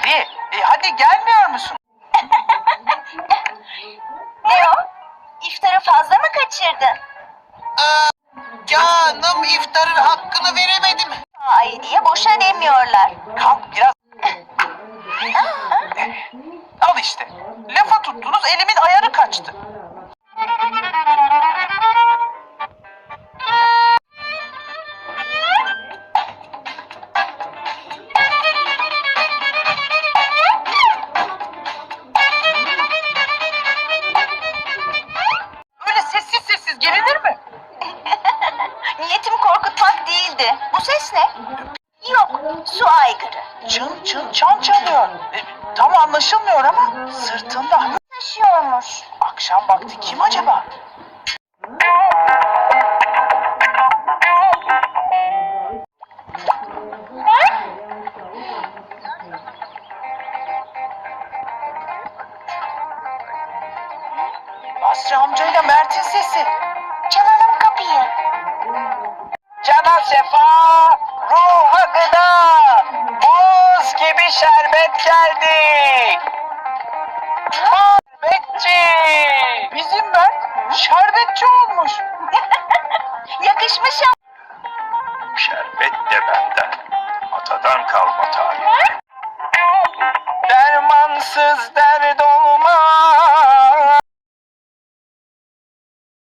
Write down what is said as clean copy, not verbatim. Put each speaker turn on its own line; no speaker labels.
Hadi gelmiyor musun?
Ne o? İftarı fazla mı kaçırdın?
Canım iftarın hakkını veremedim.
Ay diye boşa demiyorlar.
Kalk biraz. Al işte. Lafa tuttunuz elimin ayarı kaçtı. Öyle sessiz sessiz gelinir mi?
Niyetim korkutmak değildi. Bu ses ne? Yok, su aygırı.
Çın çın çan çalıyor. Tam anlaşılmıyor ama sırtında.
Taşıyormuş.
Akşam vakti kim acaba? Basri amcayla Mert'in sesi.